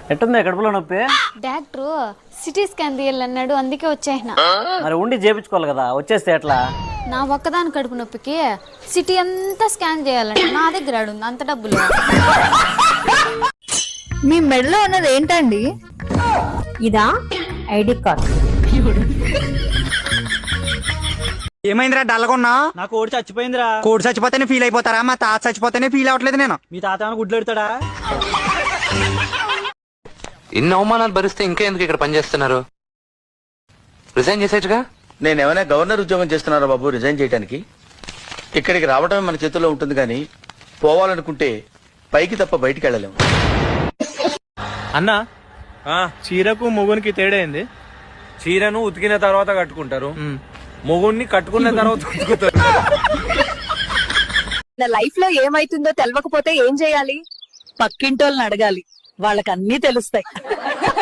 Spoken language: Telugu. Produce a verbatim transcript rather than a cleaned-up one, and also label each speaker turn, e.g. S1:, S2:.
S1: ఎట్టుంది కడుపులో నొప్పి?
S2: డాక్టర్ సిటీ స్కాన్ తీయాలన్నాడు, అందుకే వచ్చేసిన.
S1: మరి ఉండి చేపించుకోవాలి కదా, వచ్చేస్తే ఎట్లా?
S2: నా ఒక్కదాని కడుపు నొప్పికి సిటీ అంతా స్కాన్ చేయాలంటే నా దగ్గర ఉంది అంత డబ్బులు.
S3: మీ మెడలో ఉన్నది ఏంటండి?
S4: ఇదా ఐడి కార్డ్.
S5: ఏమైందిరా డల్లగొన్నా?
S1: నా కోడి చచ్చిపోయిందిరా.
S5: కోడి చచ్చిపోతేనే ఫీల్ అయిపోతారా? మా తాత చచ్చిపోతేనే ఫీల్ అవ్వట్లేదు నేను.
S1: మీ తాత ఏమైనా గుడ్లు పెడతాడా?
S6: ఇన్ని అవమానాలు భరిస్తే ఇంకా ఎందుకు ఇక్కడ పనిచేస్తున్నారు? రిజైన్ చేసేట్టుగా.
S7: నేను ఏమైనా గవర్నర్ ఉద్యోగం చేస్తున్నారా బాబు రిజైన్ చేయడానికి? ఇక్కడికి రావడమే మన చేతుల్లో ఉంటుంది కానీ పోవాలనుకుంటే పైకి తప్ప బయటికి వెళ్ళలేము.
S8: అన్నా చీరకు మొగునికి తేడా ఏంది?
S9: చీరను ఉతికిన తర్వాత కట్టుకుంటారు, మొగుడిని కట్టుకున్న తర్వాత ఉతుకుతారు.
S3: నా లైఫ్ లో ఏమైతుందో తెలవకపోతే ఏం చేయాలి? పక్కింటోళ్ళని అడగాలి, వాళ్ళకి అన్ని తెలుస్తాయి.